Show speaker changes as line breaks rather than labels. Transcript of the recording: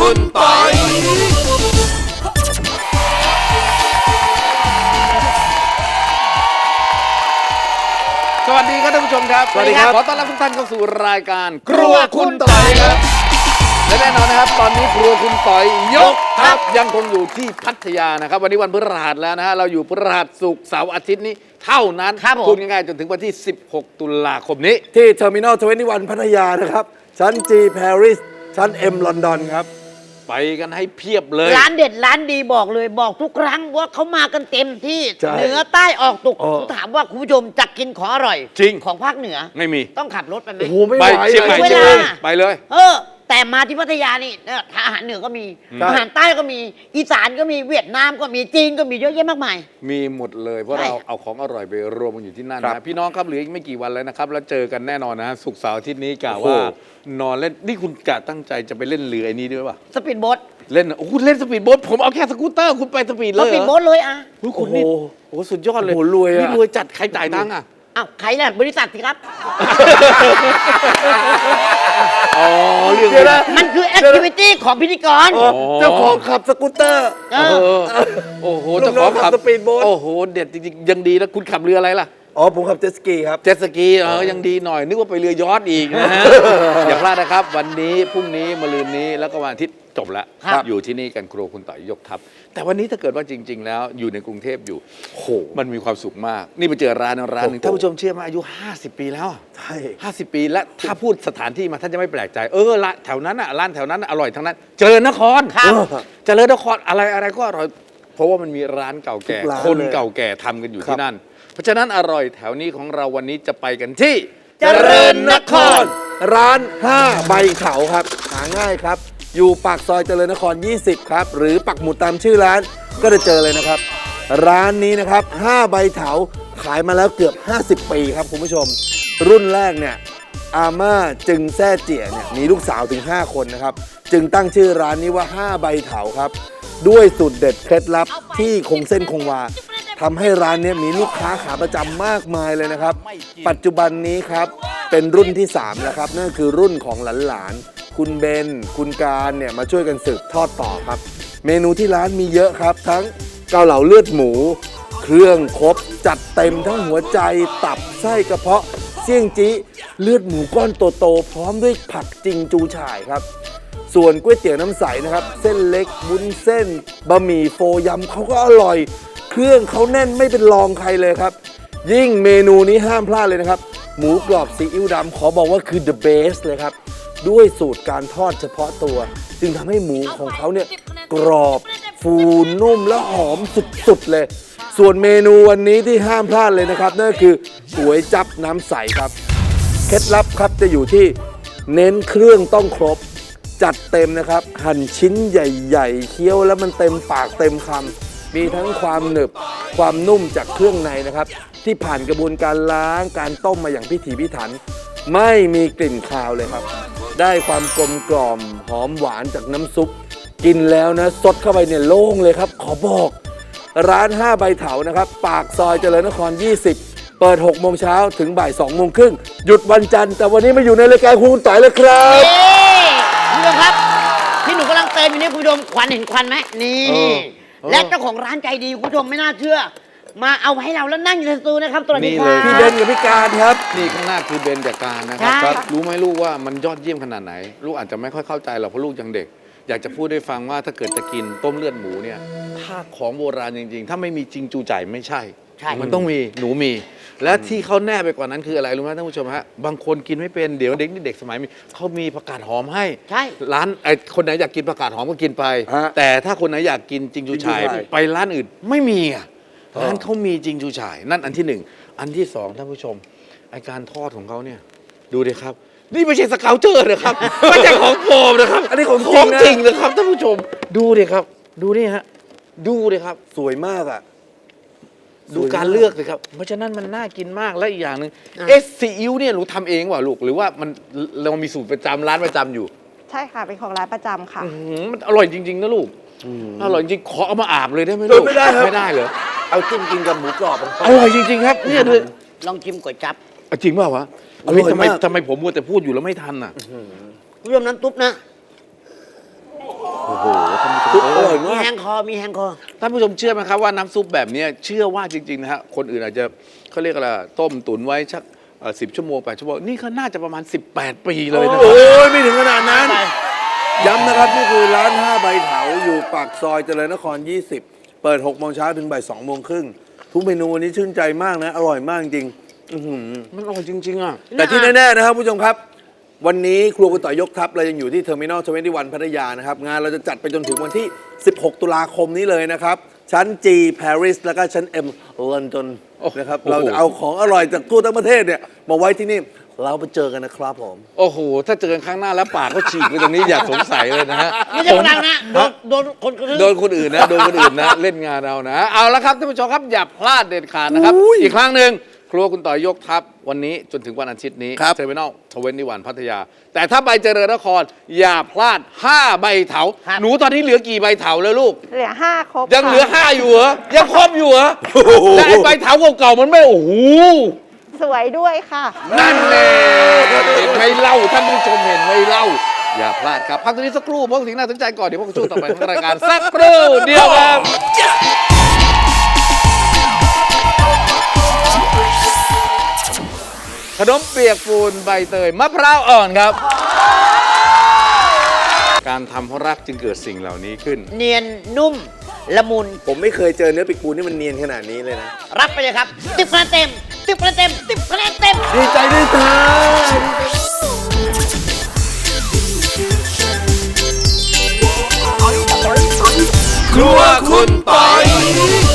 คุณปอยสวัสดีครับท่านผู้ชมครับสวัสดีครับขอต้อนรับทุกท่านเข้าสู่รายการครัวคุณปอยครับและแน่นอนนะครับตอนนี้ครัวคุณปอยยกทัพยังคงอยู่ที่พัทยานะครับวันนี้วันพฤหัสแล้วนะฮะเราอยู่พฤหัสศุกร์เสาร์อาทิตย์นี้เท่านั้นพูดง่ายๆจนถึงวันที่16 ตุลาคมนี้
ที่เทอร์มินอล21 พัทยานะครับชั้น G ปารีสชั้น M ลอนดอนครับ
ไปกันให้เพียบเลย
ร้านเด็ดร้านดีบอกเลยบอกทุกครั้งว่าเขามากันเต็มที่เหนือใต้ออกตกถามว่าคุณผู้ชมจะกินของอร่อย
จริง
ของภาคเหนือ
ไม่มี
ต้องขับรถไปไหม
โอ้โหไม่ไหว
เชียงใหม่ไปเลย
แต่มาที่พัทยานี่อาหารเหนือก็มีอาหารใต้ก็มีอีสานก็มีเวียดนามก็มีจีนก็มีเยอะแยะมากมาย
มีหมดเลยเพราะเราเอาของอร่อยไปรวมกันอยู่ที่นั่นนะพี่น้องครับเหลืออีกไม่กี่วันแล้วนะครับแล้วเจอกันแน่นอนนะศุกร์เสาร์อาทิตย์นี้กะว่านอนเล่นนี่คุณกะตั้งใจจะไปเล่นเรือไอ้นี้ด้วยป่ะ
สปีดโบ๊ท
เล่นโอ้คุณเล่นสปีดโบ๊ทผมเอาแค่สกูตเตอร์คุณไปสปีดเลย
สปีดโบ๊ทเลยอ่ะ
คุณนี่โอ้สุดยอดเลย
รวย
นี่รวยจัดใครจ่ายตังค์อ่ะ
อ้าวใครล่ะบริษัทสิครับ
อ๋อเรื่อง
มันคือแอคทิวิตี้ของพิธีกร
เจ้าของขับสกูตเตอร์
โอ้โหเจ้าของขับ
สปีดโบ๊ท
โอ้โหเด็ดจริงๆยังดีนะคุณขับเรืออะไรล่ะ
อ๋อผมขับเจ็ตสกีครับ
เจ็ตสกียังดีหน่อยนึกว่าไปเรือยอชต์อีกนะฮะอย่าพลาดนะครับวันนี้พรุ่งนี้มะรืนนี้แล้วก็วันอาทิตย์จบแล้วอยู่ที่นี่กันครัวคุณต่อยยกทัพแต่วันนี้ถ้าเกิดว่าจริงๆแล้วอยู่ในกรุงเทพอยู่โหมันมีความสุขมากนี่ไปเจอร้านหนึ่งท่านผู้ชมเชื่อไหมอายุ50 ปีแล้ว
ใช่
50 ปีและถ้าพูดสถานที่มาท่านจะไม่แปลกใจละแถวนั้นอ่ะร้านแถวนั้นอร่อยทั้งนั้นเจริญนครเจริญนครอะไรก็อร่อยเพราะว่ามันมีร้านเก่าแก่คนเก่าแก่ทำกันอยู่ที่นั่นเพราะฉะนั้นอร่อยแถวนี้ของเราวันนี้จะไปกันที่
เจริญนครร้าน5ใบเถาครับหาง่ายครับอยู่ปากซอยเจริญนคร20ครับหรือปักหมุดตามชื่อร้านก็จะเจอเลยนะครับร้านนี้นะครับ5ใบเถาขายมาแล้วเกือบ50 ปีครับคุณผู้ชมรุ่นแรกเนี่ยอาม่าจึงแซ่เจี๋ยเนี่ยมีลูกสาวถึง5 คนนะครับจึงตั้งชื่อร้านนี้ว่า5ใบเถาครับด้วยสูตรเด็ดเคล็ดลับที่คงเส้นคงวาทำให้ร้านนี้มีลูกค้าขาประจำมากมายเลยนะครับปัจจุบันนี้ครับเป็นรุ่นที่3แล้วครับนั่นคือรุ่นของหลานๆคุณเบนคุณการเนี่ยมาช่วยกันสืบทอดต่อครับเมนูที่ร้านมีเยอะครับทั้งเกาเหลาเลือดหมูเครื่องครบจัดเต็มทั้งหัวใจตับไส้กระเพาะเสี่ยงจี้เลือดหมูก้อนโตๆพร้อมด้วยผักจิงจูฉ่ายครับส่วนก๋วยเตี๋ยวน้ำใสนะครับเส้นเล็กวุ้นเส้นบะหมี่โฟยำเขาก็อร่อยเครื่องเขาแน่นไม่เป็นรองใครเลยครับยิ่งเมนูนี้ห้ามพลาดเลยนะครับหมูกรอบซีอิ๊วดำขอบอกว่าคือ the best เลยครับด้วยสูตรการทอดเฉพาะตัวจึงทำให้หมูของเขาเนี่ยกรอบฟูนุ่มและหอมสุดๆเลยส่วนเมนูวันนี้ที่ห้ามพลาดเลยนะครับนั่นก็คือก๋วยจั๊บน้ำใสครับเคล็ดลับครับจะอยู่ที่เน้นเครื่องต้องครบจัดเต็มนะครับหั่นชิ้นใหญ่ๆเคี้ยวแล้วมันเต็มปากเต็มคำมีทั้งความหนึบความนุ่มจากเครื่องในนะครับที่ผ่านกระบวนการล้างการต้มมาอย่างพิถีพิถันไม่มีกลิ่นคาวเลยครับได้ความกลมกล่อมหอมหวานจากน้ำซุปกินแล้วนะสดเข้าไปเนี่ยโล่งเลยครับขอบอกร้าน5ใบเถานะครับปากซอยเจริญนคร20เปิด6 โมงเช้าถึงบ่าย2 โมงครึ่งหยุดวันจันทร์แต่วันนี้มาอยู่ในรายการคุณต่อยเลยครับ
คุณผู้ชมครับที่หนูกำลังเติมอยู่นี่คุณผู้ชมควันเห็นควันไหมนี่และเจ้าของร้านใจดีคุณผู้ชมไม่น่าเชื่อมาเอาให้เราแล้วนั่งอยู่ในสตูนะครับตัวนี้ค่ะ
พี่เบนกับพี่การครับ
นี่ข้างหน้าคือเบนกับการนะครับรู้ไหมลูกว่ามันยอดเยี่ยมขนาดไหนลูกอาจจะไม่ค่อยเข้าใจหรอกเพราะลูกยังเด็กอยากจะพูดให้ฟังว่าถ้าเกิดจะกินต้มเลือดหมูเนี่ยถ้าของโบราณจริงๆถ้าไม่มีจริงจูจ่ายไม่ใช่มันต้องมีหนูมีและที่เขาแน่ไปกว่านั้นคืออะไรรู้ไหมท่านผู้ชมฮะบางคนกินไม่เป็นเดี๋ยวเด็กนี่เด็กสมัยมีเขามีผักกาดหอมให้ร้านคนไหนอยากกินผักกาดหอมก็กินไปแต่ถ้าคนไหนอยากกินจริงจูฉ่ายไปร้านอื่นไม่มีอ่ะร้านเขามีจริงจูฉ่ายนั่นอันที่1อันที่2ท่านผู้ชมไอการทอดของเขาเนี่ยดูดิครับนี่ไม่ใช่สเกลเจอร์นะครับไม่ใช่ของปลอมนะครับ
อันนี้ของ
จริงนะครับท่านผู้ชมดูดิครับดูนี่ฮะดูดิครับ
สวยมากอ่ะ
ดูการเลือกเลยครับเพราะฉะนั้นมันน่ากินมากและอีกอย่างหนึ่งซีอิ๊วเนี่ยหนูทำเองว่ะลูกหรือว่าเรามีสูตรประจำร้านประจำอยู่
ใช่ค่ะเป็นของร้านประจำค่ะ
มันอร่อยจริงๆนะลูกอร่อยจริงขอเอามาอาบเลยได้ไหมลูก
ไม่ได้ครับ
ไม่ได้เหรอ
เอาจิ้มกินกับหมูกรอบ
อร่อยจริงๆครับเนี่ยเลย
ลองชิมก๋วยจั๊บ
จริงเปล่าวะทำไมผมมัวแต่พูดอยู่แล้วไม่ทันอ่ะ
คุณผู้ชมน้ำซุปนะ
โโอ้โหท่านผู้ชม
ซุปอร่อย
มี
มาก
แฮงคอมีแฮงคอ
ท่านผู้ชมเชื่อไหมครับว่าน้ำซุปแบบเนี้ยเชื่อว่าจริงๆนะฮะคนอื่นอาจจะเขาเรียกอะไรต้มตุ๋นไว้สัก10 ชั่วโมง8 ชั่วโมงนี่เขาน่าจะประมาณ 18 ปีเลยนะค
โอ้
รับ
ยไม่ถึงขนาดนั้น ย้ำนะครับ นี่คือร้าน 5 ใบเถาอยู่ปากซอยเจริญนคร 20 เปิด 6 โมงเช้าถึงบ่าย 2 โมงครึ่ง ทุกเมนูวันนี้ชื่นใจมากนะ อร่อยมากจริงอื้อหือ
มันอร่อยจริงๆอ่ะ
แต่ที่แน่ๆนะครับผู้ชมครับ วันนี้ครัวคุณต่อยยกทัพเรายังอยู่ที่เทอร์มินอล21พัทยานะครับ งานเราจะจัดไปจนถึงวันที่ 16 ตุลาคมนี้เลยนะครับ ชั้น G Paris แล้วก็ชั้น M London นะครับ
โอ้โห
เราจะเอาของอร่อยจากทั่วทั้งประเทศเนี่ยมาไว้ที่นี่เราไปเจอกันนะครับผม
โอ้โห ถ้าเจอกันครั้งหน้าแล้วปากเขาฉีกไปตรงนี้อย่าสงสัยเลยนะฮะ
ไม่ใช่คนดังนะโดนคนกระทืบ
โดนคนอื่นนะโดนคนอื่นนะ เล่นงานเรานะ เอาละครับท่านผู้ชมครับอย่าพลาดเด็ดขาดนะครับ อีกครั้งหนึ่งครัวคุณต่อยยกทัพวันนี้จนถึงวันอาทิตย์นี้
ครับ
เทอร์มินอล21พัทยา แต่ถ้าไปเจริญนครอย่าพลาด 5 ใบเถา
ครับ
หนูตอนนี้เหลือกี่ใบเถาแล้วลูก
เหลือ 5 ครบ
ยังเหลือ
ค่ะ
5 อยู่เหรอ ยังครบอยู่เหรอแต่ไอ้ใบเถาเก่าๆมันไม่โอ้โห
สวยด้วยค่ะ
นั่นแน่เห็นไหมเล่าท่านผู้ชมเห็นไหมเล่า อย่าพลาดครับ พักตรงนี้สักครู่เพราะสิ่งน่าสนใจก่อน เดี๋ยวพวกช่วงต่อไปของรายการสักครู่เดียวครับ ขนมเปียกปูนใบเตยมะพร้าวอ่อนครับ การทำเพราะรักจึงเกิดสิ่งเหล่านี้ขึ้น
เนียนนุ่มละมุน
ผมไม่เคยเจอเนื้อปีกปูนี่มันเนียนขนาดนี้เลยนะ
รับไปเลยครับ10 คะแนนเต็ม10 คะแนนเต็ม10 คะแนนเต็ม
ดีใจด้วยจ้า
ครัวคุณปอย